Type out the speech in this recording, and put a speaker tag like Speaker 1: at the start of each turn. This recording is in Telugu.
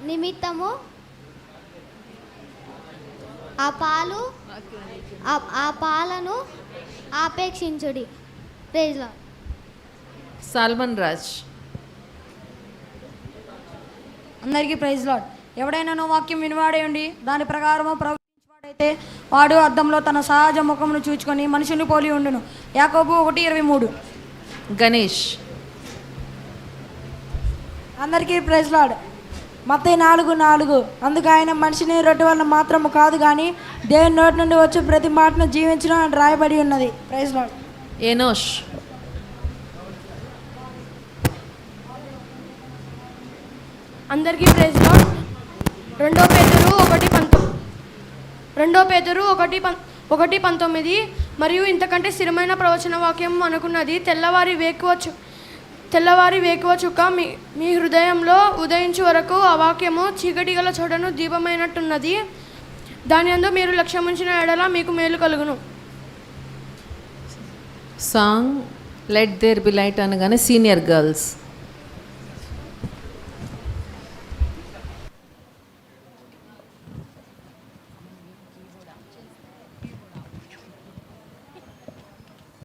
Speaker 1: నిమిత్తము ఆ పాలను ఆపేక్షించుడి. Praise lord.
Speaker 2: సాల్మన్ రాజ్.
Speaker 3: అందరికీ ప్రైజ్ లార్డ్. ఎవడైనా వాక్యం వినివాడే ఉండి దాని ప్రకారము ప్రవర్తించువాడైతే వాడు అద్దంలో తన సహజ ముఖమును చూచుకొని మనుషుని పోలి ఉండును. యాకోబు 1:23.
Speaker 2: గణేష్.
Speaker 4: అందరికీ ప్రైజ్ లార్డ్. మత్తయి 4:4. అందుకు ఆయన మనిషిని రొట్టె వలన మాత్రము కాదు కానీ దేవుని నోటి నుండి వచ్చి ప్రతి మాటను జీవించడం అని రాయబడి ఉన్నది. Praise lord.
Speaker 2: ఎనోష్.
Speaker 5: అందరికీ ప్రైజ్ లార్డ్. 2 పేతురు 1:19 మరియు ఇంతకంటే స్థిరమైన ప్రవచన వాక్యం అనుకున్నది. తెల్లవారి వేకువ చుక్క మీ హృదయంలో ఉదయించు వరకు ఆ వాక్యము చీకటి గల చోటను దీపమైనట్టున్నది. దాని యందు మీరు లక్ష్యముంచిన ఎడల మీకు మేలు కలుగును.
Speaker 2: Song let there be light అనగానే సీనియర్ గర్ల్స్.